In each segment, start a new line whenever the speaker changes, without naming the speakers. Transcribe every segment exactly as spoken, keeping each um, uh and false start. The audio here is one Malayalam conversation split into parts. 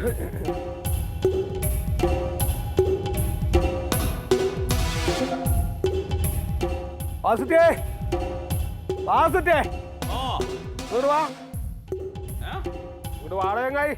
വാസുട്ടേ വാസുട്ടേ ഇങ്ങോട്ട് വാ ഇങ്ങോട്ട് വാട ചങ്ങായി.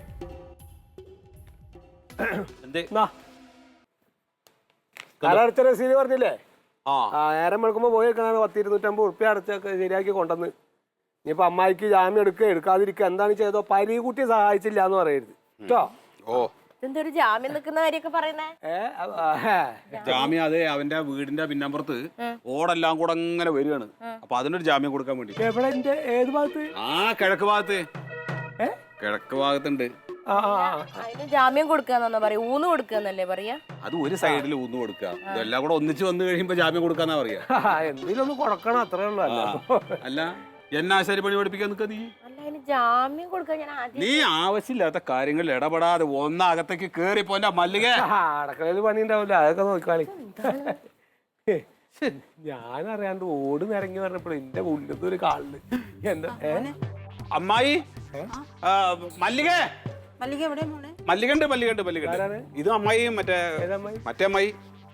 കടടച്ച രസീത് പറഞ്ഞില്ലേ? ആ നേരം വെളുക്കുമ്പോ പോയി വെക്കണ പത്ത് ഇരുന്നൂറ്റമ്പത് ഉറുപ്പ്യ അടച്ചൊക്കെ ശരിയാക്കി കൊണ്ടുവന്ന്. ഇനിയിപ്പോ അമ്മായിക്ക് ജാമ്യം എടുക്കുക എടുക്കാതിരിക്കുക എന്താണ് ചെയ്തോ പരീകുട്ടി സഹായിച്ചില്ല എന്ന് പറയരുത് കേട്ടോ. ഓ
എന്തൊരു ജാമ്യം നിൽക്കുന്ന കാര്യമൊക്കെ പറയുന്നേ?
ജാമ്യം അതെ അവന്റെ വീടിന്റെ പിന്നമ്പുറത്ത് ഓടെല്ലാം കൂടെ അങ്ങനെ വരികയാണ്. അപ്പൊ അതിനൊരു ജാമ്യം കൊടുക്കാൻ വേണ്ടി.
ഏത് ഭാഗത്ത്?
ആ കിഴക്ക് ഭാഗത്ത്. കിഴക്ക് ഭാഗത്തുണ്ട്.
അതിന് ജാമ്യം കൊടുക്കാന്നാ പറയാ, ഊന്ന് കൊടുക്കാന്നല്ലേ പറയാ?
അത് ഒരു സൈഡിൽ ഊന്ന് കൊടുക്കുക, ഇതെല്ലാം കൂടെ ഒന്നിച്ച് വന്നു കഴിയുമ്പോ ജാമ്യം കൊടുക്കാന്നാ പറയാ.
എന്തെങ്കിലും ഒന്ന് കൊടുക്കണം അത്രേ ഉള്ളൂ.
അല്ല എന്നാശാരി പണി പഠിപ്പിക്കാൻ നിൽക്കുക നീ?
ജാമ്യം കൊടുക്കാൻ ഞാൻ
നീ ആവശ്യമില്ലാത്ത കാര്യങ്ങളിൽ ഇടപെടാതെ ഒന്നകത്തേക്ക് കേറി പോന്റെ മല്ലിക.
അടക്കളയിൽ പണി ഉണ്ടാവില്ല, അതൊക്കെ നോക്കാളി. ഞാൻ അറിയാണ്ട് ഓട് നിറങ്ങി പറഞ്ഞപ്പോൾ എന്റെ ഉള്ളത് ഒരു കാളില് എന്താ
അമ്മായി മല്ലിക മല്ലികണ്ട് മല്ലികണ്ട് മല്ലികണ്ട്. ഇത് അമ്മായി മറ്റേ മറ്റേ അമ്മായി.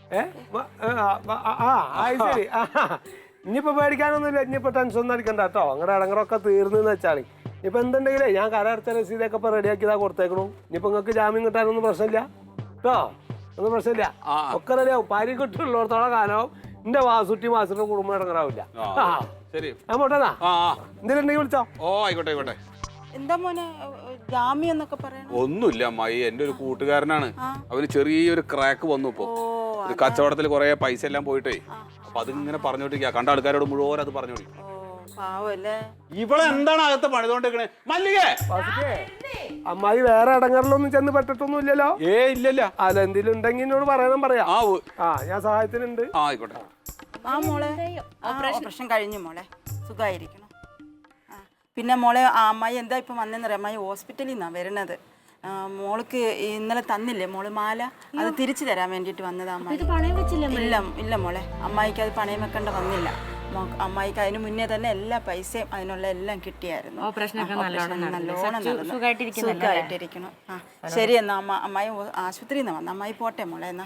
ശരി ഇനിയിപ്പോ പേടിക്കാനൊന്നുമില്ല, ഇനിയിപ്പോ ടെൻഷൻ ഒന്നും അടിക്കണ്ട കേട്ടോ. അങ്ങനെ ഇടങ്ങറൊക്കെ തീർന്നു വെച്ചാൽ ഇപ്പൊ എന്തുണ്ടെങ്കിലേ ഞാൻ കരടച്ച രസീതൊക്കെ ഇപ്പൊ റെഡിയാക്കിയതാ കൊടുത്തേക്കണു. ഇനിയിപ്പോ നിങ്ങൾക്ക് ജാമ്യം കിട്ടാനൊന്നും പ്രശ്നമില്ല കേട്ടോ, ഒന്നും പ്രശ്നമില്ല, ഒക്കെ റെഡിയാവും. പാരി കിട്ടുള്ളത്തോളം കാലവും എന്റെ വാസുട്ടി വാസുട്ടിന്റെ കുടുംബം ഇടങ്ങറാവില്ല. ഞാൻ പോട്ടെന്നാ, എന്തെങ്കിലും ഉണ്ടെങ്കിൽ വിളിച്ചോ.
ഓ ആയിക്കോട്ടെ ആയിക്കോട്ടെ.
എന്താ മോനെ ജാമ്യം എന്നൊക്കെ പറയണ?
ഒന്നുമില്ല അമ്മായി, എന്റെ ഒരു കൂട്ടുകാരനാണ്. അവന് ചെറിയൊരു ക്രാക്ക് വന്നു. ഇപ്പൊ ഒരു കച്ചവടത്തിൽ കുറെ പൈസ എല്ലാം പോയിട്ടേ, അപ്പൊ അതിങ്ങനെ പറഞ്ഞോണ്ടിരിക്കുക. കണ്ട ആൾക്കാരോട് മുഴുവൻ അത് പറഞ്ഞോണ്ടിരിക്കും. ഇവിടെ എന്താണ് അകത്ത് പണിതോണ്ടിരിക്കണേ മല്ലികേ?
അമ്മായി വേറെ ഇടങ്ങളിലൊന്നും ചെന്ന് പെട്ടിട്ടൊന്നും ഇല്ലല്ലോ?
ഏ ഇല്ലല്ല.
അല്ല എന്തെങ്കിലും ഉണ്ടെങ്കിൽ എന്നോട് പറയാനും പറയാം.
ആ
ഞാൻ സഹായത്തിനുണ്ട്.
ആ ആയിക്കോട്ടെ.
ആ മോളെ ഓപ്പറേഷൻ കഴിഞ്ഞു മോളെ, സുഖമായിരിക്കണം. പിന്നെ മോളെ ആ അമ്മായി എന്താ ഇപ്പം വന്നെന്നറിയാം, അമ്മായി ഹോസ്പിറ്റലിൽ നിന്നാണ് വരണത്. മോൾക്ക് ഇന്നലെ തന്നില്ലേ മോള് മാല, അത് തിരിച്ചു തരാൻ വേണ്ടിയിട്ട് വന്നതാ അമ്മായി. ഇല്ല ഇല്ല മോളെ, അമ്മായിക്ക് അത് പണയം വെക്കേണ്ട വന്നില്ല. അമ്മായിക്ക് അതിന് മുന്നേ തന്നെ എല്ലാ പൈസയും അതിനുള്ള എല്ലാം കിട്ടിയായിരുന്നു. നല്ലോണം സുഖമായിട്ടിരിക്കണം. ആ ശരി എന്നാ അമ്മ, അമ്മായി ആശുപത്രിയിൽ നിന്ന് വന്ന അമ്മായി പോട്ടെ മോളെ. എന്നാ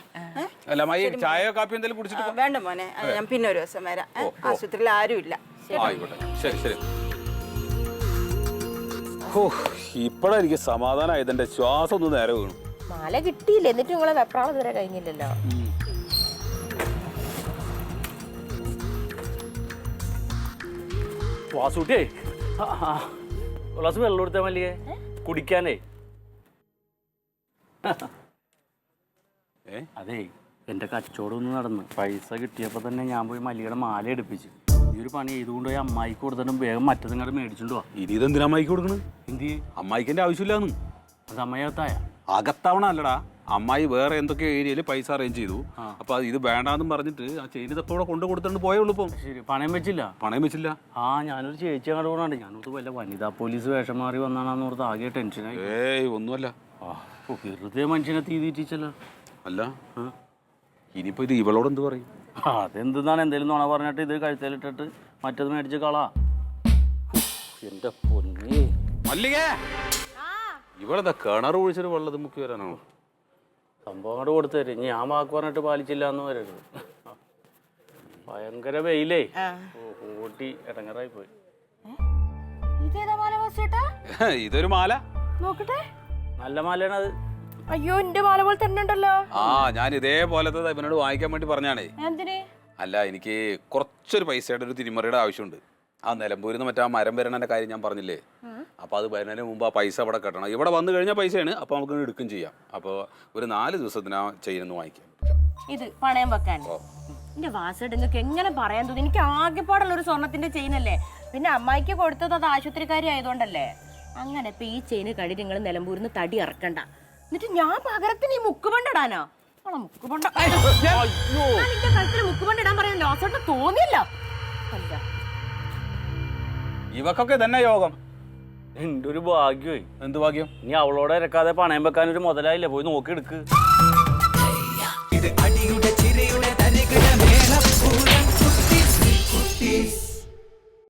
വേണ്ട മോനെ, ഞാൻ പിന്നെ ഒരു ദിവസം വരാം. ആശുപത്രിയിൽ ആരും ഇല്ല.
ശരി ശരി. ഇപ്പഴെനിക്ക് സമാധാനമായത്, എന്റെ ശ്വാസം ഒന്ന് നേരെ വീണു.
മാല കിട്ടിയില്ല, എന്നിട്ട് നിങ്ങളെ വെപ്രാളം ഇതുവരെ കഴിഞ്ഞില്ലല്ലോ.
വാസൂട്ടിയേ ഗ്ലാസ് വെള്ളം കൊടുത്താ മല്ലികേ കുടിക്കാനേ. അതേ എന്റെ കച്ചവടം ഒന്ന് നടന്ന് പൈസ കിട്ടിയപ്പോ തന്നെ ഞാൻ പോയി മല്ലികയുടെ മാല എടുപ്പിച്ചു. ഈ ഒരു പണി ചെയ്തുകൊണ്ട് പോയി അമ്മായിക്ക് കൊടുത്തിട്ടും വേഗം മറ്റതും കൂടെ മേടിച്ചോണ്ട് പോവാ.
ഇനി ഇതെന്തിനാ അമ്മായിക്ക് കൊടുക്കണത്?
എന്ത്
അമ്മായിക്ക് എന്റെ ആവശ്യമില്ലാന്ന്.
അത് അമ്മായി അകത്തായ
അകത്താവണ അല്ലടാ, അമ്മായി വേറെ എന്തൊക്കെ ഏരിയയിൽ പൈസ അറേഞ്ച് ചെയ്തു. അപ്പൊ ഇത് വേണ്ടാന്നും പറഞ്ഞിട്ട് ആ ചെയിൻ ഇതപ്പോ ഇവിടെ കൊണ്ട് കൊടുത്തിട്ട് പോയുള്ളൂ. ഇപ്പം
ശരി, പണയം വെച്ചില്ല?
പണയം വെച്ചില്ല.
ആ ഞാനൊരു ചേച്ചി അങ്ങോട്ട് പോകണുണ്ട്. ഞാനോട് വല്ല വനിതാ പോലീസ് വേഷം മാറി വന്നാണെന്ന് ഓർത്ത് ആകെ ടെൻഷനായി.
ഏയ് ഒന്നുമല്ല,
വെറുതെ മനുഷ്യനെ തീ തീറ്റിച്ചല്ലോ.
അല്ല ഇനിയിപ്പോ ഇത് ഇവളോട് എന്ത് പറയും?
അതെന്താണ് എന്തേലും നുണ പറഞ്ഞിട്ട് ഇത് കഴുത്തേലിട്ടിട്ട് മറ്റത് മേടിച്ച് കളാ. എന്റെ പൊന്നേ
മല്ലികേ, ഇവളെന്താ കിണർ ഒഴിച്ചിട്ട് വെള്ളത് മുക്കി വരാനാണോ?
സംഭവം അങ്ങോട്ട് കൊടുത്തു തരും. ഞാൻ വാക്ക് പറഞ്ഞിട്ട് പാലിച്ചില്ല എന്ന് വരരുത്. ഭയങ്കര വെയിലേ, ഓട്ടി ഇടങ്ങറായി പോയി.
ഇതൊരു മാല
നോക്കട്ടെ,
നല്ല മാലയാണ് അത്.
അയ്യോ എന്റെ മാല പോലെ തന്നെ ഉണ്ടല്ലോ.
ആ ഞാൻ ഇതേപോലത്തെ ഇവനോട് വാങ്ങിക്കാൻ വേണ്ടി പറഞ്ഞാണേ.
എന്തിന്?
അല്ല എനിക്ക് കുറച്ചൊരു പൈസയുടെ ഒരു തിരിമറിയുടെ ആവശ്യമുണ്ട്. ആ നിലമ്പൂരിൽ നിന്ന് മറ്റേ ആ മരം വരണന്റെ കാര്യം ഞാൻ പറഞ്ഞില്ലേ, അപ്പൊ അത് വരുന്നതിന് മുമ്പ് ആ പൈസ ഇവിടെ കെട്ടണം. ഇവിടെ വന്നു കഴിഞ്ഞാൽ പൈസയാണ്, അപ്പൊ നമുക്ക് എടുക്കും ചെയ്യാം. അപ്പൊ ഒരു നാല് ദിവസത്തിന് ആ ചെയിനൊന്ന് വാങ്ങിക്കാം.
ഇത് പണയം വെക്കാൻ എന്റെ വാസട് നിങ്ങൾക്ക് എങ്ങനെ പറയാൻ തോന്നി? എനിക്ക് ആകെപ്പാടുള്ള ഒരു സ്വർണത്തിന്റെ ചെയിനല്ലേ, പിന്നെ അമ്മായിക്ക് കൊടുത്തത് അത് ആശുപത്രിക്കാരി ആയതുകൊണ്ടല്ലേ. അങ്ങനെ ഇപ്പൊ ഈ ചെയിന് കടി നിങ്ങൾ നിലമ്പൂരിൽ നിന്ന് തടി ഇറക്കണ്ട. എന്നിട്ട് ഞാൻ പകരത്തിന് ഈ മുക്കുപണ്ടിടാനോ? മുക്കുപണ്ട കഴുത്തിൽ മുക്കുപണ്ട് ഇടാൻ പറയാൻ ലോസോട്ട് തോന്നിയല്ലോ. അല്ല
ഇവക്കൊക്കെ തന്നെ യോഗം.
എന്റെ ഒരു ഭാഗ്യമായി.
എന്ത് ഭാഗ്യം?
നീ അവളോടെ ഇറക്കാതെ പണയം വെക്കാൻ ഒരു മുതലായില്ലേ, പോയി നോക്കി എടുക്ക്.
ഇത് അടിയുടെ ചിരിയുടെ തരികിട മേളപ്പൂരം കുട്ടീസ് കുട്ടീസ്